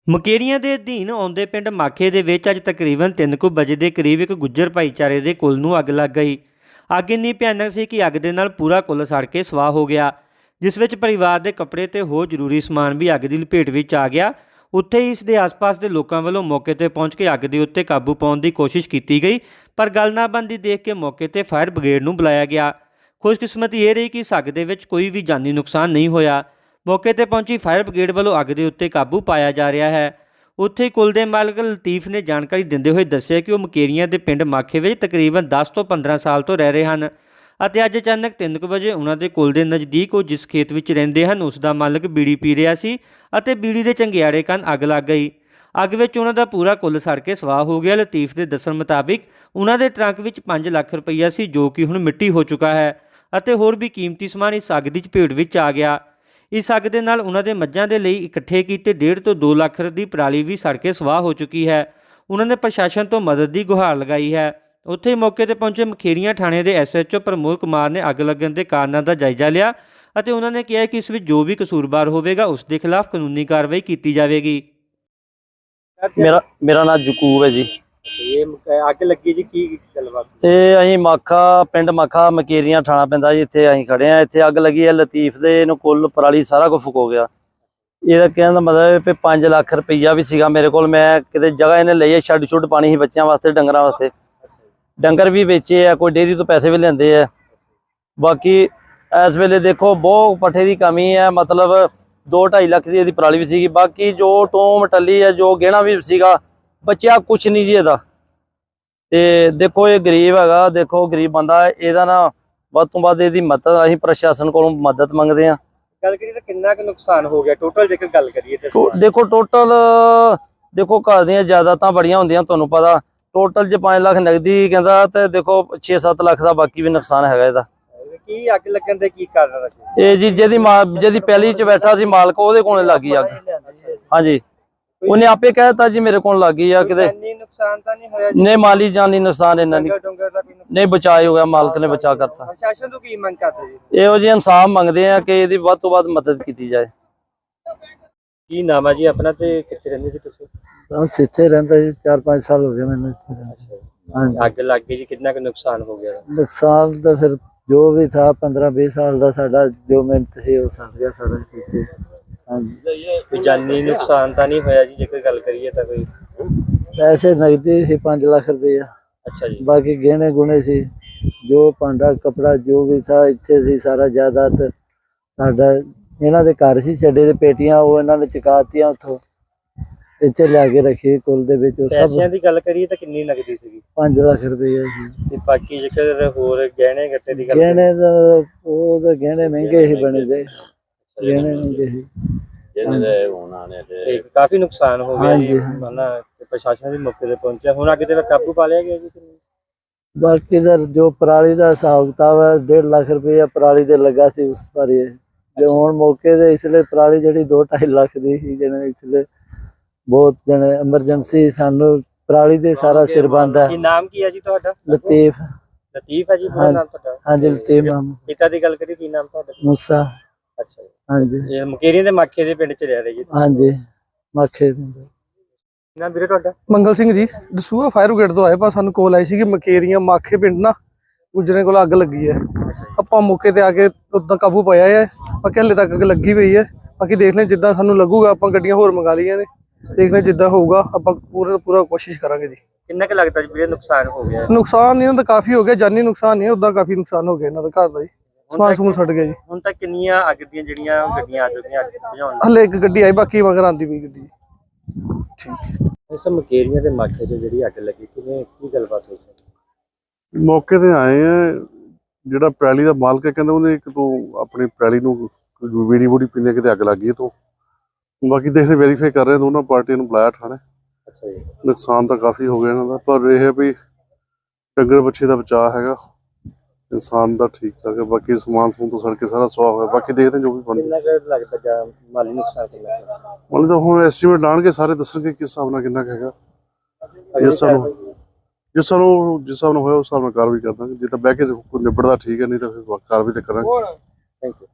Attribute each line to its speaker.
Speaker 1: ਮੁਕੇਰੀਆਂ ਦੇ ਅਧੀਨ ਆਉਂਦੇ ਪਿੰਡ ਮਾਖੇ ਦੇ ਵਿੱਚ ਅੱਜ ਤਕਰੀਬਨ 3 ਵਜੇ ਦੇ ਕਰੀਬ ਇੱਕ ਗੁੱਜਰ ਭਾਈਚਾਰੇ ਦੇ ਕੁੱਲ ਨੂੰ ਅੱਗ ਲੱਗ ਗਈ। ਅੱਗ ਇੰਨੀ ਭਿਆਨਕ ਸੀ ਕਿ ਅੱਗ ਦੇ ਨਾਲ ਪੂਰਾ ਕੁੱਲ ਸੜ ਕੇ ਸਵਾਹ ਹੋ ਗਿਆ, ਜਿਸ ਵਿੱਚ ਪਰਿਵਾਰ ਦੇ ਕੱਪੜੇ ਤੇ ਹੋਰ ਜ਼ਰੂਰੀ ਸਮਾਨ ਵੀ ਅੱਗ ਦੀ ਲਪੇਟ ਵਿੱਚ ਆ ਗਿਆ। ਉੱਥੇ ਹੀ ਇਸ ਦੇ ਆਸ-ਪਾਸ ਦੇ ਲੋਕਾਂ ਵੱਲੋਂ ਮੌਕੇ ਤੇ ਪਹੁੰਚ ਕੇ ਅੱਗ ਦੇ ਉੱਤੇ ਕਾਬੂ ਪਾਉਣ ਦੀ ਕੋਸ਼ਿਸ਼ ਕੀਤੀ ਗਈ, ਪਰ ਗੱਲ ਨਾ ਬਣਦੀ ਦੇਖ ਕੇ ਮੌਕੇ ਤੇ ਫਾਇਰ ਬ੍ਰਿਗੇਡ ਨੂੰ ਬੁਲਾਇਆ ਗਿਆ। ਖੁਸ਼ਕਿਸਮਤੀ ਇਹ ਰਹੀ ਕਿ ਇਸ ਅੱਗ ਦੇ ਵਿੱਚ ਕੋਈ ਵੀ ਜਾਨੀ ਨੁਕਸਾਨ ਨਹੀਂ ਹੋਇਆ। ਮੌਕੇ ਤੇ ਪਹੁੰਚੀ ਫਾਇਰ ਬ੍ਰਿਗੇਡ ਵੱਲੋਂ ਅੱਗ ਦੇ ਉੱਤੇ ਕਾਬੂ ਪਾਇਆ ਜਾ ਰਿਹਾ ਹੈ। ਉੱਥੇ ਕੁੱਲ ਦੇ ਮਾਲਕ ਲਤੀਫ ਨੇ ਜਾਣਕਾਰੀ ਦਿੰਦੇ ਹੋਏ ਦੱਸਿਆ ਕਿ ਉਹ ਮੁਕੇਰੀਆਂ ਦੇ ਪਿੰਡ ਮਾਖੇ ਵਿੱਚ ਤਕਰੀਬਨ 10 ਤੋਂ 15 ਸਾਲ ਤੋਂ ਰਹਿ ਰਹੇ ਹਨ ਅਤੇ ਅੱਜ ਅਚਾਨਕ 3 ਵਜੇ ਉਹਨਾਂ ਦੇ ਕੁੱਲ ਦੇ ਨਜ਼ਦੀਕ ਉਹ ਜਿਸ ਖੇਤ ਵਿੱਚ ਰਹਿੰਦੇ ਹਨ ਉਸ ਦਾ ਮਾਲਕ ਬੀੜੀ ਪੀ ਰਿਹਾ ਸੀ ਅਤੇ ਬੀੜੀ ਦੇ ਚੰਗਿਆੜੇ ਕਾਰਨ ਅੱਗ ਲੱਗ ਗਈ। ਅੱਗ ਵਿੱਚ ਉਹਨਾਂ ਦਾ ਪੂਰਾ ਕੁੱਲ ਸੜ ਕੇ ਸਵਾਹ ਹੋ ਗਿਆ। ਲਤੀਫ ਦੇ ਦੱਸਣ ਮੁਤਾਬਿਕ ਉਹਨਾਂ ਦੇ ਟਰੰਕ ਵਿੱਚ 5 ਲੱਖ ਰੁਪਈਆ ਸੀ, ਜੋ ਕਿ ਹੁਣ ਮਿੱਟੀ ਹੋ ਚੁੱਕਾ ਹੈ ਅਤੇ ਹੋਰ ਵੀ ਕੀਮਤੀ ਸਮਾਨ ਇਸ ਅੱਗ ਦੀ ਚਪੇਟ ਵਿੱਚ ਆ ਗਿਆ। ਇਸ ਅੱਗ ਦੇ ਨਾਲ ਉਹਨਾਂ ਦੇ ਮੱਝਾਂ ਦੇ ਲਈ ਇਕੱਠੇ ਕੀਤੇ 1.5 ਤੋਂ 2 ਲੱਖ ਦੀ ਪਰਾਲੀ ਵੀ ਸੜ ਕੇ ਸਵਾਹ ਹੋ ਚੁੱਕੀ ਹੈ। ਉਹਨਾਂ ਨੇ ਪ੍ਰਸ਼ਾਸਨ ਤੋਂ ਮਦਦ ਦੀ ਗੁਹਾਰ ਲਗਾਈ ਹੈ। ਉੱਥੇ ਮੌਕੇ ਤੇ ਪਹੁੰਚੇ ਮੁਖੇਰੀਆਂ ਥਾਣੇ ਦੇ SHO ਪ੍ਰਮੋਦ ਕੁਮਾਰ ਨੇ ਅੱਗ ਲੱਗਣ ਦੇ ਕਾਰਨਾਂ ਦਾ ਜਾਇਜ਼ਾ ਲਿਆ ਅਤੇ ਉਹਨਾਂ ਨੇ ਕਿਹਾ ਕਿ ਇਸ ਵਿੱਚ ਜੋ ਵੀ ਕਸੂਰਵਾਰ ਹੋਵੇਗਾ ਉਸ ਦੇ ਖਿਲਾਫ ਕਾਨੂੰਨੀ ਕਾਰਵਾਈ ਕੀਤੀ ਜਾਵੇਗੀ।
Speaker 2: ਮੇਰਾ ਨਾਮ ਜਕੂਬ ਹੈ ਜੀ।
Speaker 3: ਇਹ ਅੱਗ ਲੱਗੀ ਜੀ, ਕੀ ਗੱਲਬਾਤ?
Speaker 2: ਇਹ ਅਸੀਂ ਮਾਖਾ ਪਿੰਡ ਮਾਖਾ ਮਕੇਰੀਆਂ ਥਾਣਾ ਪੈਂਦਾ ਜੀ। ਇੱਥੇ ਅਸੀਂ ਖੜੇ ਆ। ਇੱਥੇ ਅੱਗ ਲੱਗੀ ਹੈ। ਲਤੀਫ ਦੇ ਇਹਨੂੰ ਕੁੱਲ ਪਰਾਲੀ ਸਾਰਾ ਕੁਝ ਫੁਕ ਹੋ ਗਿਆ। ਇਹਦਾ ਕਹਿਣ ਦਾ ਮਤਲਬ ਹੈ ਕਿ 5 ਲੱਖ ਰੁਪਈਆ ਵੀ ਸੀਗਾ ਮੇਰੇ ਕੋਲ। ਮੈਂ ਕਿਤੇ ਜਗ੍ਹਾ ਇਹਨੇ ਲਈ ਹੈ, ਛੱਡ ਛੁੱਟ ਪਾਣੀ ਸੀ ਬੱਚਿਆਂ ਵਾਸਤੇ, ਡੰਗਰਾਂ ਵਾਸਤੇ। ਡੰਗਰ ਵੀ ਵੇਚੇ ਆ, ਕੋਈ ਡੇਅਰੀ ਤੋਂ ਪੈਸੇ ਵੀ ਲੈਂਦੇ ਆ। ਬਾਕੀ ਇਸ ਵੇਲੇ ਦੇਖੋ ਬਹੁਤ ਪੱਠੇ ਦੀ ਕਮੀ ਹੈ। ਮਤਲਬ 2-2.5 ਲੱਖ ਦੀ ਇਹਦੀ ਪਰਾਲੀ ਵੀ ਸੀਗੀ। ਬਾਕੀ ਜੋ ਟੋਮ ਟੱਲੀ ਹੈ, ਜੋ ਗਹਿਣਾ ਵੀ ਸੀਗਾ, ਬਚਿਆ ਕੁਛ ਨਹੀਂ ਜੀ ਇਹਦਾ। ਤੇ ਦੇਖੋ ਇਹ ਗਰੀਬ ਹੈਗਾ, ਦੇਖੋ ਗਰੀਬ ਬੰਦਾ, ਇਹਦਾ ਨਾ ਵੱਧ ਤੋਂ ਵੱਧ ਇਹਦੀ ਮਦਦ ਅਸੀਂ ਪ੍ਰਸ਼ਾਸਨ ਕੋਲੋਂ ਮਦਦ ਮੰਗਦੇ ਹਾਂ।
Speaker 3: ਗੱਲ ਕਰੀਏ ਤਾਂ ਕਿੰਨਾ ਕੁ ਨੁਕਸਾਨ ਹੋ ਗਿਆ ਟੋਟਲ, ਜੇਕਰ ਗੱਲ ਕਰੀਏ ਤੇ?
Speaker 2: ਦੇਖੋ ਟੋਟਲ ਦੇਖੋ ਘਰ ਦੀਆਂ ਜਾਇਦਾਦਾਂ ਬੜੀਆਂ ਹੁੰਦੀਆਂ, ਤੁਹਾਨੂੰ ਪਤਾ। ਟੋਟਲ ਜੇ 5 ਲੱਖ ਨਗਦੀ ਕਹਿੰਦਾ ਤੇ ਦੇਖੋ 6-7 ਲੱਖ ਦਾ ਬਾਕੀ ਵੀ ਨੁਕਸਾਨ ਹੈਗਾ ਇਹਦਾ।
Speaker 3: ਕੀ ਅੱਗ ਲੱਗਣ ਦੇ ਕੀ ਕਾਰਨ ਰੱਖੇ?
Speaker 2: ਇਹ ਜੀ ਜਿਹਦੀ ਪਹਿਲੀ ਚ ਬੈਠਾ ਸੀ ਮਾਲਕ, ਉਹਦੇ ਕੋਲ ਲੱਗੀ ਅੱਗ। ਹਾਂਜੀ, ਉਹਨੇ ਆਪੇ ਕਹਿ ਦਿੱਤਾ ਜੀ ਮੇਰੇ ਕੋਲ ਲੱਗੀ ਆ। ਕਿਤੇ
Speaker 3: ਨੁਕਸਾਨ ਤਾਂ ਨਹੀਂ ਹੋਇਆ?
Speaker 2: ਨਹੀਂ, ਮਾਲੀ ਜਾਨੀ ਨੁਕਸਾਨ ਇਹਨਾਂ ਨੇ ਨਹੀਂ, ਬਚਾਅ ਹੋ ਗਿਆ, ਮਾਲਕ ਨੇ ਬਚਾ ਕਰਤਾ।
Speaker 3: ਪ੍ਰਸ਼ਾਸਨ ਤੋਂ ਕੀ ਮੰਗ ਕਰਦੇ ਜੀ?
Speaker 2: ਇਹੋ ਜਿਹੇ ਇਨਸਾਫ ਮੰਗਦੇ ਆ ਕਿ ਇਹਦੀ ਵੱਧ ਤੋਂ ਵੱਧ ਮਦਦ ਕੀਤੀ ਜਾਏ।
Speaker 3: ਕੀ ਨਾਮ ਹੈ ਜੀ ਆਪਣਾ ਤੇ ਕਿੱਥੇ ਰਹਿੰਦੇ ਜੀ ਤੁਸੀਂ?
Speaker 4: ਬਸ ਇੱਥੇ ਰਹਿੰਦਾ ਜੀ, 4-5 ਸਾਲ ਹੋ ਗਏ ਮੈਨੂੰ ਇੱਥੇ ਰਹਿੰਦੇ। ਹਾਂਜੀ,
Speaker 3: ਅੱਗ ਲੱਗ ਗਈ ਜੀ, ਕਿੰਨਾ ਕੁ ਨੁਕਸਾਨ ਹੋ ਗਿਆ?
Speaker 4: ਨੁਕਸਾਨ ਤਾਂ ਫਿਰ ਜੋ ਵੀ ਥਾ 15-20 ਸਾਲ ਦਾ ਸਾਡਾ ਜੋ ਮਿਹਨਤ ਸੀ ਉਹ ਸੜ ਗਿਆ ਸਾਰਾ ਇੱਥੇ। ਹਾਂਜੀ,
Speaker 3: ਕੋਈ ਜਾਨੀ ਨੁਕਸਾਨ ਤਾਂ ਨਹੀਂ ਹੋਇਆ ਜੀ ਜੇਕਰ ਗੱਲ ਕਰੀਏ ਤਾਂ? ਕੋਈ
Speaker 4: ਪੈਸੇ ਨਗਦੀ ਸੀ 5 ਲੱਖ ਰੁਪਇਆ।
Speaker 3: ਅੱਛਾ ਜੀ।
Speaker 4: ਬਾਕੀ ਗਹਿਣੇ ਗੁਣੇ ਸੀ, ਜੋ ਭਾਂਡਾ ਕਪੜਾ ਜੋ ਵੀ ਥਾ ਇੱਥੇ ਸੀ ਸਾਰਾ ਜਾਇਦਾਦ ਸਾਡਾ। ਇਹਨਾਂ ਦੇ ਘਰ ਸੀ ਛੱਡੇ ਦੇ ਪੇਟੀਆਂ, ਉਹ ਇਹਨਾਂ ਨੇ ਚੁਕਾਤੀਆਂ, ਉੱਥੋਂ ਇੱਥੇ ਲਿਆ ਕੇ ਰੱਖੀ ਕੁੱਲ ਦੇ ਵਿੱਚ।
Speaker 3: ਪੈਸਿਆਂ ਦੀ ਗੱਲ ਕਰੀਏ ਤਾਂ ਕਿੰਨੀ ਨਗਦੀ ਸੀਗੀ?
Speaker 4: 5 ਲੱਖ ਰੁਪਇਆ ਸੀ।
Speaker 3: ਤੇ ਬਾਕੀ ਜੇਕਰ ਹੋਰ ਗਹਿਣੇ ਗੱਟੇ ਦੀ ਗੱਲ
Speaker 4: ਗਹਿਣੇ ਦਾ ਉਹ ਤਾਂ ਗਹਿਣੇ ਮਹਿੰਗੇ ਹੀ ਬਣੇ ਦੇ, ਗਹਿਣੇ ਮਹਿੰਗੇ ਸੀ।
Speaker 3: ਤੇ ਕਾਫੀ ਨੁਕਸਾਨ ਹੋ ਗਿਆ ਜੀ।
Speaker 4: ਹਾਂਜੀ,
Speaker 3: ਹਨਾ, ਪ੍ਰਸ਼ਾਸਨ ਵੀ ਮੌਕੇ ਤੇ ਪਹੁੰਚਿਆ। ਹੁਣ ਅੱਗੇ ਤੇ ਕਾਬੂ ਪਾ ਲਿਆ ਗਿਆ ਜੀ?
Speaker 4: ਬਾਕੀ ਦਾ ਜੋ ਪਰਾਲੀ ਦਾ ਹਿਸਾਬ ਕਿਤਾਬ ਹੈ, 1.5 ਲੱਖ ਰੁਪਇਆ ਪਰਾਲੀ ਦੇ ਲੱਗਾ ਸੀ ਉਸ ਪਰ। ਜੇ ਹੁਣ ਮੌਕੇ ਦੇ ਇਸ ਲਈ ਪਰਾਲੀ ਜਿਹੜੀ 2-2.5 ਲੱਖ ਦੀ ਸੀ, ਜਿਹਨੇ ਇਸ ਲਈ ਬਹੁਤ ਜਣੇ ਐਮਰਜੈਂਸੀ ਸਾਨੂੰ ਪਰਾਲੀ ਦੇ ਸਾਰਾ ਸਿਰ ਬੰਦਾ।
Speaker 3: ਕੀ ਨਾਮ ਕੀ ਹੈ ਜੀ ਤੁਹਾਡਾ?
Speaker 4: ਲਤੀਫ।
Speaker 3: ਲਤੀਫ ਹੈ ਜੀ ਪੂਰਾ ਨਾਮ ਤੁਹਾਡਾ?
Speaker 4: ਹਾਂਜੀ, ਲਤੀਫ ਨਾਮ।
Speaker 3: ਪਿਤਾ ਦੀ ਗੱਲ ਕਰੀ, ਕੀ ਨਾਮ ਤੁਹਾਡਾ?
Speaker 4: ਮੂਸਾ।
Speaker 3: ਅੱਛਾ ਜੀ।
Speaker 4: ਹਾਂਜੀ
Speaker 3: ਇਹ ਮੁਕੇਰੀਆਂ ਦੇ ਮਾਖੇ ਦੇ ਪਿੰਡ ਚ ਰਹਿ ਰਹੇ ਜੀ?
Speaker 4: ਹਾਂਜੀ, ਮਾਖੇ।
Speaker 3: ਨਾ ਵੀਰੇ ਤੁਹਾਡਾ?
Speaker 5: ਮੰਗਲ ਸਿੰਘ ਜੀ, ਦਸੂਹਾ ਫਾਇਰ ਬ੍ਰਿਗੇਡ ਤੋਂ ਆਏ। ਪਰ ਸਾਨੂੰ ਕੋਲ ਆਈ ਸੀ ਕਿ ਮਕੇਰੀਆਂ ਮਾਖੇ ਪਿੰਡ ਨਾ ਗੁਜਰੇ ਕੋਲ ਅੱਗ ਲੱਗੀ ਹੈ। ਆਪਾਂ ਮੌਕੇ ਤੇ ਆ ਕੇ ਉਦਾਂ ਕਾਬੂ ਪਾਇਆ ਹੈ। ਬਾਕੀ ਹਲੇ ਤੱਕ ਅੱਗ ਲੱਗੀ ਪਈ ਹੈ। ਬਾਕੀ ਦੇਖ ਲੈ ਜਿੱਦਾਂ ਸਾਨੂੰ ਲੱਗੂਗਾ, ਆਪਾਂ ਗੱਡੀਆਂ ਹੋਰ ਮੰਗਾ ਲਈਆਂ ਨੇ। ਦੇਖ ਲੈ ਜਿੱਦਾਂ ਹੋਊਗਾ ਆਪਾਂ ਪੂਰਾ ਕੋਸ਼ਿਸ਼ ਕਰਾਂਗੇ ਜੀ।
Speaker 3: ਕਿੰਨਾ ਕੁ ਲੱਗਦਾ ਜੀ ਵੀਰੇ ਨੁਕਸਾਨ ਹੋ ਗਿਆ?
Speaker 5: ਨੁਕਸਾਨ ਇਹਨਾਂ ਦਾ ਕਾਫੀ ਹੋ ਗਿਆ, ਜਾਨੀ ਨੁਕਸਾਨ ਨਹੀਂ, ਉਦਾਂ ਕਾਫੀ ਨੁਕਸਾਨ ਹੋ ਗਿਆ ਇਹਨਾਂ ਦਾ ਘਰ ਦਾ ਜੀ। ਸਮਾਨ ਸਮੂਨ ਛੱਡ ਗਿਆ ਜੀ।
Speaker 3: ਹੁਣ ਤੱਕ ਕਿੰਨੀਆਂ ਅੱਗ ਦੀਆਂ ਜਿਹੜੀਆਂ ਗੱਡੀਆਂ ਆ ਚੁੱਕੀਆਂ ਅੱਗ ਬੁਝਾਉਣ?
Speaker 5: ਹਲੇ ਇੱਕ ਗੱਡੀ ਆਈ, ਬਾਕੀ ਮਗਰ ਆਂਦੀ ਪਈ ਗੱਡੀ। ਠੀਕ।
Speaker 3: ਇਸ ਮੁਕੇਰੀਆਂ ਦੇ ਮਾਖੇ 'ਚ ਜਿਹੜੀ ਅੱਗ ਲੱਗੀ, ਕਿਵੇਂ ਕੀ ਗੱਲਬਾਤ ਹੋਈ ਸੀ?
Speaker 6: ਮੌਕੇ ਤੇ ਆਏ ਆ। ਜਿਹੜਾ ਪੈਲੀ ਦਾ ਮਾਲਕ ਹੈ ਕਹਿੰਦਾ ਉਹਨੇ ਇੱਕ ਤੋਂ ਆਪਣੀ ਪੈਲੀ ਨੂੰ ਬੀੜੀ ਬੂੜੀ ਪੀਂਦੇ ਕਿਤੇ ਅੱਗ ਲੱਗ ਗਈ ਤੋਂ। ਬਾਕੀ ਦੇਖਦੇ ਵੈਰੀਫਾਈ ਕਰ ਰਹੇ, ਦੋਨਾਂ ਪਾਰਟੀਆਂ ਨੂੰ ਬੁਲਾਇਆ ਥਾਣੇ।
Speaker 3: ਅੱਛਾ ਜੀ।
Speaker 6: ਨੁਕਸਾਨ ਤਾਂ ਕਾਫੀ ਹੋ ਗਿਆ ਇਹਨਾਂ ਦਾ, ਪਰ ਇਹ ਹੈ ਵੀ ਡੰਗਰ ਬੱਚੇ ਦਾ ਬਚਾਅ ਹੈਗਾ, ਇਨਸਾਨ ਦਾ ਠੀਕ ਠਾਕ ਹੈ। ਬਾਕੀ ਸਮਾਨ ਸਮੂਨ ਤੋਂ ਸੜ ਕੇ ਸਾਰਾ ਸੁਆਹ ਹੋਇਆ। ਬਾਕੀ ਦੇਖਦੇ ਜੋ ਵੀ ਬਣਦਾ।
Speaker 3: ਕਿੰਨਾ ਕੁ ਲੱਗਦਾ ਜਾਂ ਮਾਲੀ ਨੁਕਸਾਨ ਕਿੰਨਾ ਕੁ?
Speaker 6: ਮਤਲਬ ਤਾਂ ਹੁਣ ਐਸਟੀਮੇਟ ਲਾਣਗੇ, ਸਾਰੇ ਦੱਸਣਗੇ ਕਿਸ ਹਿਸਾਬ ਨਾਲ ਕਿੰਨਾ ਕੁ ਹੈਗਾ। ਜਿਸ ਹਿਸਾਬ ਨਾਲ ਹੋਇਆ ਉਸ ਹਿਸਾਬ ਨਾਲ ਕਾਰਵਾਈ ਕਰ ਦਾਂਗੇ। ਜੇ ਤਾਂ ਬਹਿ ਕੇ ਕੋਈ ਨਿਬੜਦਾ ਠੀਕ ਹੈ, ਨਹੀਂ ਤਾਂ ਫਿਰ ਕਾਰਵਾਈ ਤਾਂ ਕਰਾਂਗੇ।
Speaker 3: Thank you.